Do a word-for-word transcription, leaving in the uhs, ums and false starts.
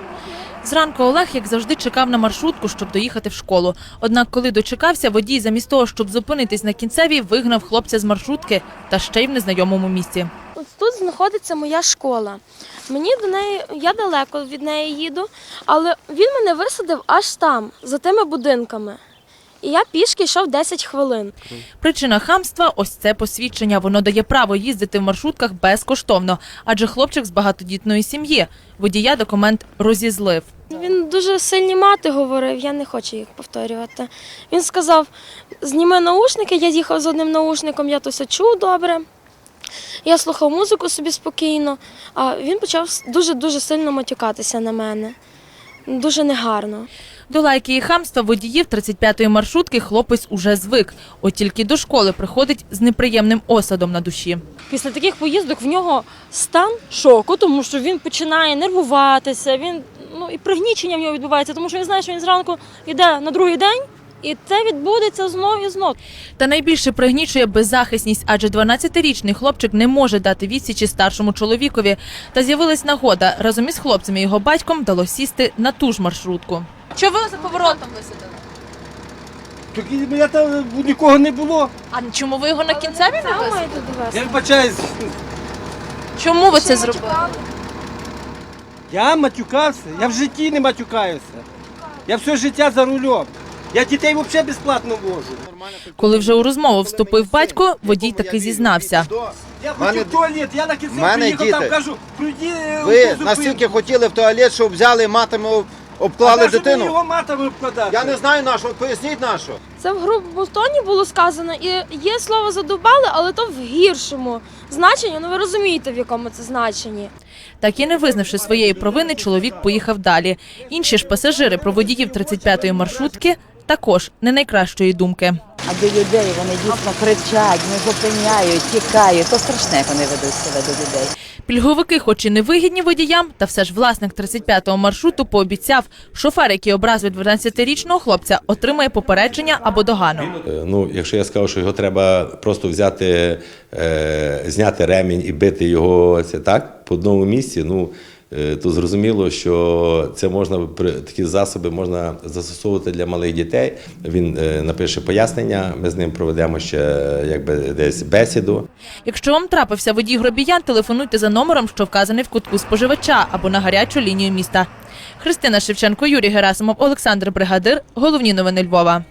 Зранку Олег, як завжди, чекав на маршрутку, щоб доїхати в школу. Однак, коли дочекався, водій замість того, щоб зупинитись на кінцевій, вигнав хлопця з маршрутки та ще й в незнайомому місці. Ось тут знаходиться моя школа. Мені до неї, я далеко від неї їду, але він мене висадив аж там, за тими будинками. І я пішки йшов десять хвилин. Причина хамства – ось це посвідчення. Воно дає право їздити в маршрутках безкоштовно, адже хлопчик з багатодітної сім'ї. Водія документ розізлив. Він дуже сильні мати говорив, я не хочу їх повторювати. Він сказав, зніми наушники, я їхав з одним наушником, я то все чув добре. Я слухав музику собі спокійно, а він почав дуже-дуже сильно матюкатися на мене. Дуже негарно. До лайки і хамства водіїв тридцять п'ятої маршрутки хлопець уже звик. От тільки до школи приходить з неприємним осадом на душі. Після таких поїздок в нього стан шоку, тому що він починає нервуватися, він, ну, і пригнічення в нього відбувається, тому що він знає, що він зранку йде на другий день, і це відбудеться знов і знов. Та найбільше пригнічує беззахисність, адже дванадцятирічний хлопчик не може дати відсічі старшому чоловікові. Та з'явилась нагода. Разом із хлопцем і його батьком вдалося сісти на ту ж маршрутку. Що ви за поворотом висадили? Так я там нікого не було. А чому ви його на кінцеві не висадили? Я вибачаюсь. Чому ви це зробили? Я матюкався, я в житті не матюкаюся. Я все життя за рулем. Я дітей взагалі безплатно вожу. Коли вже у розмову вступив батько, водій таки зізнався. Я Мене- хочу в туалет, я на кінці Мене приїхав, там діти. кажу, пройди Ви настільки хотіли в туалет, що взяли матами, обклали дитину? його матами обкладати. Я не знаю на що, поясніть на що. Це в грубому тоні було сказано, і є слово «задовбали», але то в гіршому значенні, ну ви розумієте, в якому це значенні. Так і не визнавши своєї провини, чоловік поїхав далі. Інші ж пасажири про водіїв тридцять п'ятої маршрутки також не найкращої думки. А до людей вони дійсно кричать, не зупиняють, тікають. То страшне, як вони ведуть себе до людей. Пільговики хоч і не вигідні водіям, та все ж власник тридцять п'ятого маршруту пообіцяв, шофер, який образив дванадцятирічного хлопця, отримає попередження або догану. Ну, якщо я скажу, що його треба просто взяти, е, зняти ремінь і бити його це так по одному місці, ну е, то зрозуміло, що це можна такі засоби можна застосовувати для малих дітей. Він е, напише пояснення, ми з ним проведемо ще якби десь бесіду. Якщо вам трапився водій гробіян, телефонуйте за номером, що вказаний в кутку споживача, або на гарячу лінію міста. Христина Шевченко, Юрій Герасимов, Олександр Бригадир. Головні новини Львова.